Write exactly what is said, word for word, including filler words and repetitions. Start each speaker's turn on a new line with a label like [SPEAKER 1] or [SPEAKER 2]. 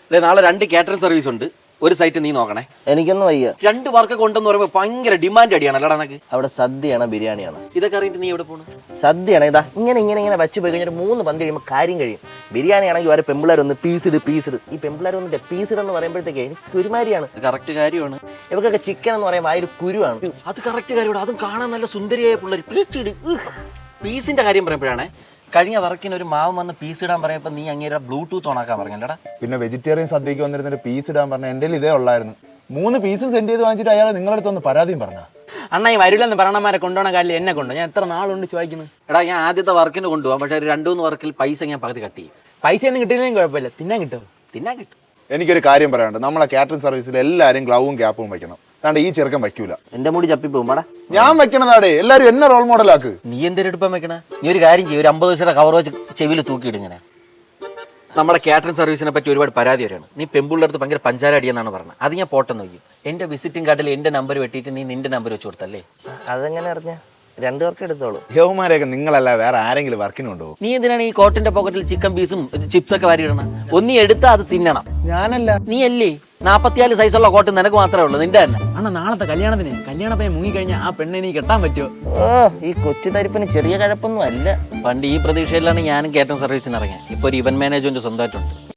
[SPEAKER 1] നാളെ രണ്ട് catering service ഉണ്ട്. ഒരു സൈറ്റ് നീ നോക്കണേ.
[SPEAKER 2] എനിക്കൊന്നും വയ്യ.
[SPEAKER 1] രണ്ട് വർക്ക് കൊണ്ടെന്ന് പറയുമ്പോൾ ഭയങ്കര ഡിമാൻഡ് അടിയാണ് അല്ലടാ എനിക്ക്.
[SPEAKER 2] അവിടെ സദ്യയാണോ ബിരിയാണിയാണോ?
[SPEAKER 1] ഇതൊക്കെ അറിയിട്ട് നീ എവിടെ പോകണം?
[SPEAKER 2] സദ്യയാണ് ഇതാ ഇങ്ങനെ ഇങ്ങനെ ഇങ്ങനെ വെച്ച് പോയി കഴിഞ്ഞാൽ മൂന്ന് പന്ത് കഴിയുമ്പോൾ കാര്യം കഴിയും. ബിരിയാണി ആണെങ്കിൽ വരെ പെമ്പിളാരൊന്ന് പീസിട് പീസിട് ഈ പെമ്പിളാരൊന്നിട്ട് പീസിഡ് എന്ന് പറയുമ്പോഴത്തേക്ക് എനിക്ക് ഒരുമാതിരിയാണ്.
[SPEAKER 1] കറക്റ്റ് കാര്യമാണ്.
[SPEAKER 2] ഇവർക്കൊക്കെ ചിക്കൻ എന്ന് പറയുമ്പോൾ ആ ഒരു കുരുവാണ്.
[SPEAKER 1] അത് കറക്റ്റ് കാര്യമാണ്. അതും കാണാൻ നല്ല സുന്ദരിയായ പിള്ളേർ പീച്ചിട്. പീസിന്റെ കാര്യം പറയുമ്പോഴാണ് കഴിഞ്ഞ വർക്കിന് ഒരു മാവ് വന്ന് പീസ് ഇടാൻ പറയുമ്പോൾ നീ അങ്ങേരെ ബ്ലൂടൂത്ത് ഓണാക്കാൻ പറഞ്ഞല്ലടാ.
[SPEAKER 3] പിന്നെ വെജിറ്റേറിയൻ സദ്യക്ക് വന്നിരുന്നിട്ട് പീസ് ഇടാൻ പറഞ്ഞ എൻ്റെ ഇതേ ഉള്ളായിരുന്നു. മൂന്ന് പീസും സെൻഡ് ചെയ്ത് വാങ്ങിച്ചിട്ട് അയാൾ നിങ്ങളുടെ അടുത്ത് ഒന്ന് പരാതിയും പറഞ്ഞ.
[SPEAKER 4] അണ്ണാ ഈ വരില്ലെന്ന് പറയണമാരെ കൊണ്ടുപോകണ കാലിൽ എന്നെ കൊണ്ടു. ഞാൻ എത്ര നാളുണ്ട് ചോദിക്കുന്നു.
[SPEAKER 1] എടാ ഞാൻ ആദ്യത്തെ വർക്കിന് കൊണ്ടുപോകാം, പക്ഷേ ഒരു രണ്ടു മൂന്ന് വർക്കിൽ പൈസ ഞാൻ പകുതി കട്ട് ചെയ്യും.
[SPEAKER 4] പൈസ ഒന്നും കിട്ടിയില്ലെങ്കിൽ കുഴപ്പമില്ല, തിന്നാൻ കിട്ടുമോ?
[SPEAKER 1] തിന്നാൻ കിട്ടും.
[SPEAKER 3] എനിക്കൊരു കാര്യം പറയാനുണ്ട്. നമ്മളെ കാറ്ററിംഗ് സർവീസിൽ എല്ലാവരും ഗ്ലൗവും ക്യാപ്പും വെക്കണം. അതാണ്ട് ഈ ചെറുക്കൻ വയ്ക്കൂല.
[SPEAKER 2] എന്റെ മുടി ചപ്പി പോകും.
[SPEAKER 3] ഞാൻ വെക്കണതാടേ. എല്ലാവരും എന്നെ റോൾ മോഡലാക്ക്.
[SPEAKER 1] നീ എന്തൊരു എടുപ്പം വെക്കണ? നീ ഒരു കാര്യം ചെയ്യും, ഒരു അമ്പത് ദിവസത്തെ കവർ വെച്ച് ചെവിയിൽ തൂക്കിയിടുങ്ങനെ. നമ്മുടെ കാറ്ററിംഗ് സർവീസിനെ പറ്റി ഒരുപാട് പരാതി വരെയാണ്. നീ പെമ്പിളുടെ അടുത്ത് ഭയങ്കര പഞ്ചാര അടിയെന്നാണ് പറഞ്ഞത്. അത് ഞാൻ പോട്ടെന്ന് നോക്കി. എൻ്റെ വിസിറ്റിംഗ് കാർഡിൽ എൻ്റെ നമ്പർ വെട്ടിയിട്ട് നീ നിന്റെ നമ്പർ വെച്ച് കൊടുത്തല്ലേ?
[SPEAKER 2] അതെങ്ങനെ അറിഞ്ഞ? രണ്ടു പേർക്ക് എടുത്തോളൂ.
[SPEAKER 3] യവന്മാരെയൊക്കെ നിങ്ങളല്ല വേറെ ആരെങ്കിലും വർക്കിന് കൊണ്ടുപോകും.
[SPEAKER 1] നീ എന്തിനാണ് ഈ കോട്ടിന്റെ പോക്കറ്റിൽ ചിക്കൻ പീസും ചിപ്സ് ഒക്കെ വാരി ഇടണം? ഒന്നി എടുത്താൽ അത് തിന്നണം.
[SPEAKER 3] ഞാനല്ല.
[SPEAKER 1] നീ അല്ലേ? നാപ്പത്തിനാല് സൈസുള്ള കോട്ട് നിനക്ക് മാത്രമേ ഉള്ളൂ, നിന്റെ തന്നെ.
[SPEAKER 4] അണ്ണാ നാളത്തെ കല്യാണത്തിന് കല്യാണ പയ്യൻ മുങ്ങിക്കഴിഞ്ഞാൽ ആ പെണ്ണെ നീ കെട്ടാൻ പറ്റുമോ?
[SPEAKER 2] ഓ ഈ കൊച്ചു തരിപ്പിന് ചെറിയ കഴപ്പൊന്നും അല്ല.
[SPEAKER 1] പണ്ട് ഈ പ്രതീക്ഷയിലാണ് ഞാനും കാറ്ററിംഗ് സർവീസിന് ഇറങ്ങിയത്. ഇപ്പോൾ ഒരു ഇവന്റ് മാനേജ്മെന്റ് സ്വന്തമായിട്ടുണ്ട്.